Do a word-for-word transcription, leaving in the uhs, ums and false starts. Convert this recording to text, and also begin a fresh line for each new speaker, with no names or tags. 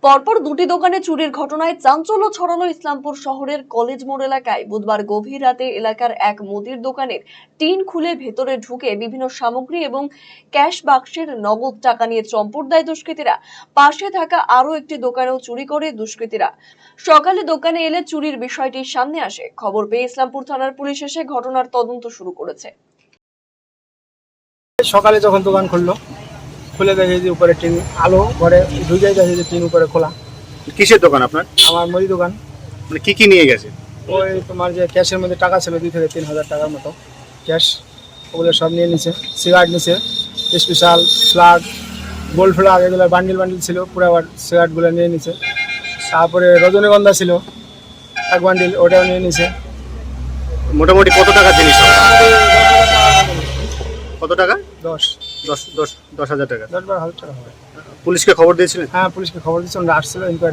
পরপর দুটি দোকানে চুরির ঘটনায় চাঞ্চল্য ছড়ালো ইসলামপুর শহরের কলেজ মোড় এলাকায়। বুধবার গভীর রাতে এলাকার এক মুদির দোকানের টিন খুলে ভেতরে ঢুকে বিভিন্ন সামগ্রী এবং ক্যাশ বাক্সের নগদ টাকা নিয়ে চম্পট দেয় দুষ্কৃতীরা। পাশে থাকা আরো একটি দোকানেও চুরি করে দুষ্কৃতীরা। সকালে দোকানে এলে চুরির বিষয়টি সামনে আসে। খবর পেয়ে ইসলামপুর থানার পুলিশ এসে ঘটনার তদন্ত শুরু করেছে।
সকালে যখন দোকান খুললো, খুলে দেখে যে উপরে টিন আলো ঘরে ঢুকে দেখে যে টিন উপরে খোলা।
কিসের দোকান আপনার?
আমার মুদি দোকান।
মানে কি কি নিয়ে গেছে?
ওই তোমার যে ক্যাশের মধ্যে টাকা ছিল দুই থেকে তিন হাজার টাকার মতো ক্যাশ, ওগুলো সব নিয়ে নিছে। সিগারেট নিছে, স্পেশাল ফ্লাগ, গোল্ড ফ্লাগ, এগুলো বান্ডিল বান্ডিল ছিল, পুরো আবার সিগারেটগুলো নিয়ে নিছে। তারপরে রজনীগন্ধা ছিল এক বান্ডিল, ওটাও নিয়ে নিছে।
মোটামুটি কত টাকা জিনিস হবে? কত টাকা?
দশ
দশ দশ দশ হাজার টাকা।
দশ বারো হাজার টাকা হবে।
পুলিশকে খবর দিয়েছিলেন?
হ্যাঁ, পুলিশকে খবর দিচ্ছে, ওরা আসছিল ইনকোয়ারি।